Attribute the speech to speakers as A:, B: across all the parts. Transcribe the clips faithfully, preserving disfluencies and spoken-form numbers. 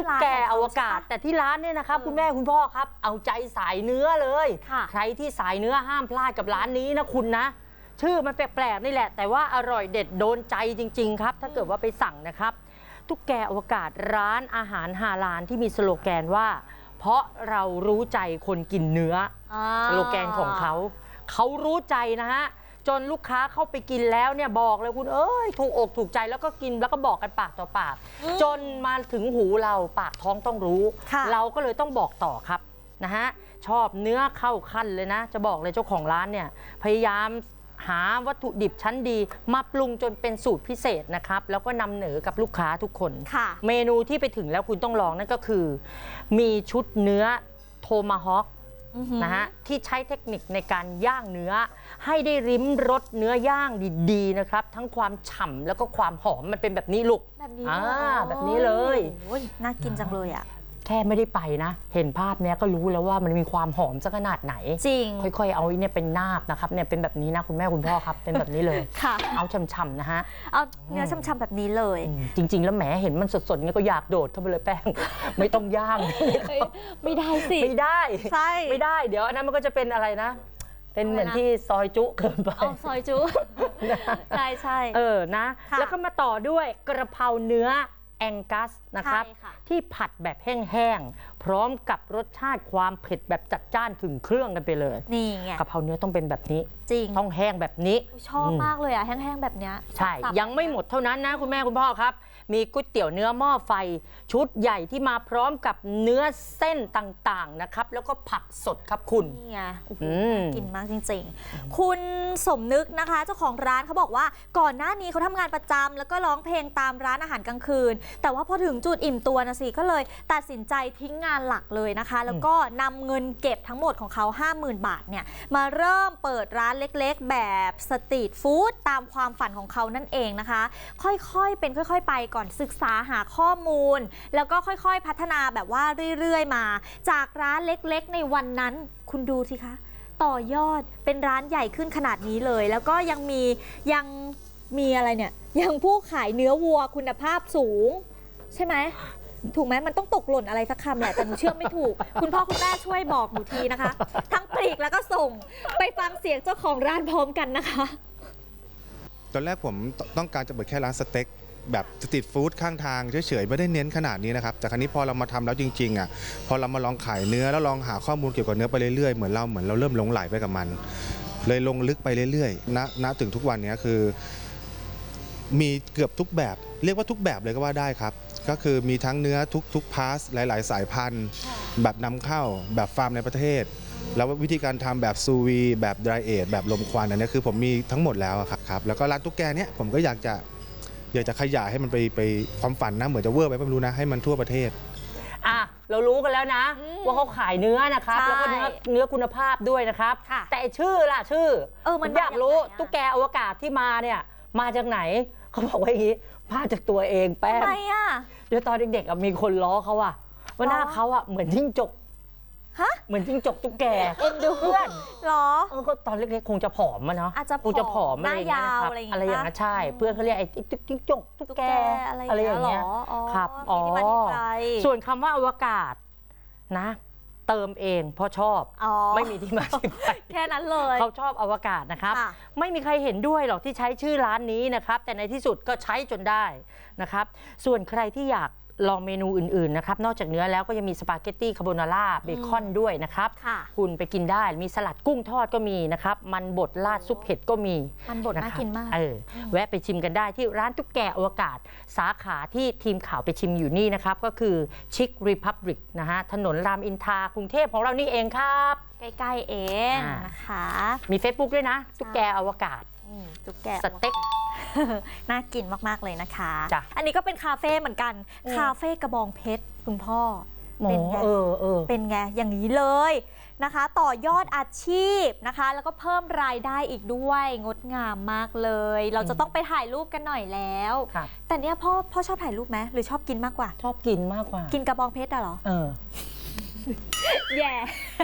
A: กแกอวกาศแต่ที่ร้านเนี่ยนะครับคุณแม่คุณพ่อครับเอาใจสายเนื้อเลยใครที่สายเนื้อห้ามพลาดกับร้านนี้นะคุณนะชื่อมันแปลกๆนี่แหละแต่ว่าอร่อยเด็ดโดนใจจริงๆครับถ้าเกิดว่าไปสั่งนะครับตุ๊กแกอวกาศร้านอาหารฮาลาลที่มีสโลแกนว่าเพราะเรารู้ใจคนกินเนื้อสโลแกนของเขาเขารู้ใจนะฮะจนลูกค้าเข้าไปกินแล้วเนี่ยบอกเลยคุณเอ้ยถูกอกถูกใจแล้วก็กินแล้วก็บอกกันปากต่อปากจนมาถึงหูเราปากท้องต้องรู้เราก็เลยต้องบอกต่อครับนะฮะชอบเนื้อเข้าขั้นเลยนะจะบอกเลยเจ้าของร้านเนี่ยพยายามหาวัตถุดิบชั้นดีมาปรุงจนเป็นสูตรพิเศษนะครับแล้วก็นำเหนอกับลูกค้าทุกคนเมนูที่ไปถึงแล้วคุณต้องลองนั่นก็คือมีชุดเนื้อโทมาฮอคนะฮะที่ใช้เทคนิคในการย่างเนื้อให้ได้ริมรสเนื้อย่างดีๆนะครับทั้งความฉ่ำแล้วก็ความหอมมันเป็นแบบนี้ลูก
B: แบบนี้
A: แบบนี้เลย
B: น่ากินจังเลยอ่ะ
A: แค่ไม่ได้ไปนะเห็นภาพเนี้ยก็รู้แล้วว่ามันมีความหอมสักขนาดไหน
B: จริง
A: ค่อยๆเอาเนี่ยเป็นนาบนะครับเนี่ยเป็นแบบนี้นะคุณแม่คุณพ่อครับเป็นแบบนี้เลย
B: ค่ะ
A: เอาช่ำๆนะฮะ
B: เอาเนื้อช่ำๆแบบนี้เลย
A: จริงๆแล้วแหมเห็นมันสดๆเงี้ยก็อยากโดดเข้าไปเลยแป้งไม่ต้องย่าง
B: ไม่ได้สิ
A: ไม่ได้
B: ใช่
A: ไม่ได้เดี๋ยวอันนั้นมันก็จะเป็นอะไรนะเป็นเหมือนที่ซอยจุเกินไป
B: อ๋อซอยจุใช่ใช่
A: เออนะแล้วก็มาต่อด้วยกระเพราเนื้อแองกัสนะครับที่ผัดแบบแห้งๆพร้อมกับรสชาติความเผ็ดแบบจัดจ้านถึงเครื่องกันไปเลย
B: นี่ไง
A: กะเพราเนื้อต้องเป็นแบบนี้
B: จริง
A: ต้องแห้งแบบนี้
B: ชอบมากเลยอ่ะแห้งๆแบบนี้
A: ใช่ยังไม่หมดเท่านั้นนะคุณแม่คุณพ่อครับมีก๋วยเตี๋ยวเนื้อหม้อไฟชุดใหญ่ที่มาพร้อมกับเนื้อเส้นต่างๆนะครับแล้วก็ผักสดครับคุณ
B: นี่ไงกินมากจริงๆคุณสมนึกนะคะเจ้าของร้านเขาบอกว่าก่อนหน้านี้เขาทำงานประจำแล้วก็ร้องเพลงตามร้านอาหารกลางคืนแต่ว่าพอถึงจุดอิ่มตัวนะสิก็เลยตัดสินใจทิ้งงานหลักเลยนะคะแล้วก็นำเงินเก็บทั้งหมดของเขา ห้าหมื่น บาทเนี่ยมาเริ่มเปิดร้านเล็กๆแบบสตรีทฟู้ดตามความฝันของเขานั่นเองนะคะค่อยๆเป็นค่อยๆไปก่อนศึกษาหาข้อมูลแล้วก็ค่อยๆพัฒนาแบบว่าเรื่อยๆมาจากร้านเล็กๆในวันนั้นคุณดูสิคะต่อยอดเป็นร้านใหญ่ขึ้นขนาดนี้เลยแล้วก็ยังมียังมีอะไรเนี่ยยังผู้ขายเนื้อวัวคุณภาพสูงใช่ไหมถูกไหมมันต้องตกหล่นอะไรสักคำแหละแต่หนูเชื่อไม่ถูกคุณพ่อคุณแม่ช่วยบอกหนูทีนะคะทั้งปลีกแล้วก็ส่งไปฟังเสียงเจ้าของร้านพร้อมกันนะคะ
C: ตอนแรกผมต้องการจะเปิดแค่ร้านสเต็กแบบสตรีทฟู้ดข้างทางเฉยๆไม่ได้เน้นขนาดนี้นะครับแต่ครั้นี้พอเรามาทำแล้วจริงๆอ่ะพอเรามาลองขายเนื้อแล้วลองหาข้อมูลเกี่ยวกับเนื้อไปเรื่อยๆเหมือนเราเหมือนเราเริ่มหลงไหลไปกับมันเลยลงลึกไปเรื่อยๆณณถึงทุกวันนี้คือมีเกือบทุกแบบเรียกว่าทุกแบบเลยก็ว่าได้ครับก็คือมีทั้งเนื้อทุกทุกพาสหลายๆสายพันธุ์แบบนำเข้าแบบฟาร์มในประเทศแล้ววิธีการทำแบบซูวีแบบไดรเอทแบบลมควันอันนี้คือผมมีทั้งหมดแล้วครับแล้วก็ร้านตุ๊กแกเนี้ยผมก็อยากจะอยากจะขยายให้มันไปไปความฝันนะเหมือนจะเวอร์ไปไม่รู้นะให้มันทั่วประเทศ
A: อ่ะเรารู้กันแล้วนะว่าเขาขายเนื้อนะครับแล้วก็เนื้อเนื้อคุณภาพด้วยนะครับแต่ชื่อล่ะชื่อเออมันอยากรู้ตุ๊กแกอวกาศที่มาเนี่ยมาจากไหนเขาบอกว่าอย่างนี้มาจากตัวเองแป้งทำไมอ่ะเดี๋ยวตอนเด็กๆมีคนล้อเขาอะว่าหน้าเขาอะเหมือนจิ้งจกฮะเหมือนจิ้งจกตุ๊กแกเอ็นดูเพื่อนหรอเออก็ตอนเล็กๆคงจะผอมมาเนาะอาจจะคงจะผอมอะไรอย่างเงี้ยครับอะไรอย่างเงี้ยใช่เพื่อนเขาเรียกไอ้จิ้งจกตุ๊กแกอะไรอย่างเงี้ยครับอ๋อส่วนคำว่าอวกาศนะเติมเองเพราะชอบไม่มีที่มาที่ไป
B: แค่นั้นเลย
A: เขาชอบอวกาศนะครับไม่มีใครเห็นด้วยหรอกที่ใช้ชื่อร้านนี้นะครับแต่ในที่สุดก็ใช้จนได้นะครับส่วนใครที่อยากลองเมนูอื่นๆนะครับนอกจากเนื้อแล้วก็ยังมีสปาเกตตี้คาโบนาร่าเบคอนด้วยนะครับคุณไปกินได้มีสลัดกุ้งทอดก็มีนะครับมันบดราดซุปเห็ดก็มี
B: มันบดน่ากินมาก
A: เออแวะไปชิมกันได้ที่ร้านตุ๊กแกอวกาศสาขาที่ทีมข่าวไปชิมอยู่นี่นะครับก็คือชิครีพับลิกนะฮะถนนรามอินทรากรุงเทพของเรานี่เองครับ
B: ใกล้ๆเองนะคะ
A: มี Facebook ด้วยนะตุ๊กแกอวกาศ
B: ตุ๊กแก
A: สเต็ก
B: น่ากินมากๆเลยนะคะอันนี้ก็เป็นคาเฟ่เหมือนกันคาเฟ่กระบองเพชรคุณพ่อ
A: เป็นไง
B: เป็นไงอย่างนี้เลยนะคะต่อยอดอาชีพนะคะแล้วก็เพิ่มรายได้อีกด้วยงดงามมากเลยเราจะต้องไปถ่ายรูปกันหน่อยแล้วแต่เนี้ยพ่อพ่อชอบถ่ายรูปไหมหรือชอบกินมากกว่า
A: ชอบกินมากกว่า
B: กินกระบองเพชรอะเหรอ
A: เออ
B: แย่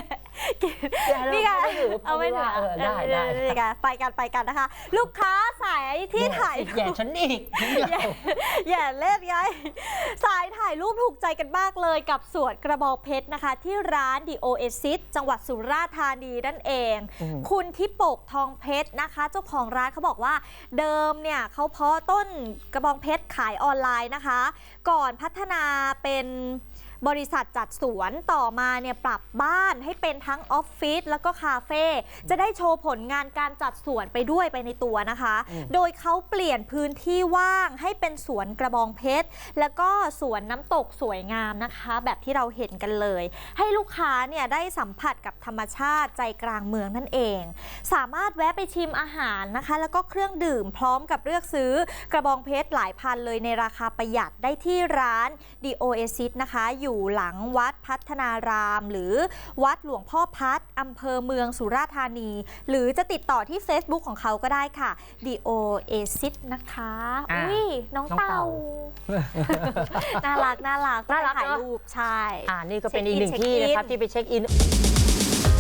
B: นี่ไง
A: เอาไม่ถือ
B: เอาไม่ถือ
A: เออได้ได้
B: นี่ไงไปกันไปกันนะคะ ลูกค้าสายที่ถ่าย
A: แย่ฉันอีก
B: อย่าอย่าเล่นไงสายถ่ายรูปถูกใจกันมากเลยกับสวนกระบองเพชรนะคะ ที่ร้าน The Oasis จังหวัดสุราษฎร์ธานีนั่นเอง
A: อืม
B: คุณทิปกทองเพชรนะคะ เจ้าของร้านเขาบอกว่าเดิมเนี่ยเขาเพาะต้นกระบองเพชรขายออนไลน์นะคะ ก่อนพัฒนาเป็นบริษัทจัดสวนต่อมาเนี่ยปรับบ้านให้เป็นทั้งออฟฟิศแล้วก็คาเฟ่จะได้โชว์ผลงานการจัดสวนไปด้วยไปในตัวนะคะ
A: อืม
B: โดยเขาเปลี่ยนพื้นที่ว่างให้เป็นสวนกระบองเพชรแล้วก็สวนน้ำตกสวยงามนะคะ แบบที่เราเห็นกันเลย ให้ลูกค้าเนี่ยได้สัมผัสกับธรรมชาติใจกลางเมืองนั่นเอง สามารถแวะไปชิมอาหารนะคะ แล้วก็เครื่องดื่มพร้อมกับเลือกซื้อกระบองเพชรหลายพันเลยในราคาประหยัดได้ที่ร้าน The Oasis นะคะ อยู่หลังวัดพัฒนาราม หรือวัดหลวงพ่อพัดอำเภอเมืองสุราษฎร์ธานี หรือจะติดต่อที่ Facebook ของเขาก็ได้ค่ะ The Oasis นะคะ
A: อ่า
B: อุ้ยน้อง
A: น้อง
B: เต่า
A: เต่า
B: น่ารักน่ารัก
A: น่ารัก
B: ถ่าย
A: เนอะ
B: รูปใช่
A: อ่านี่ก็เป็นอีกหนึ่ง
B: เช็คอิน
A: ที่นะครับที่ไปเช็คอิน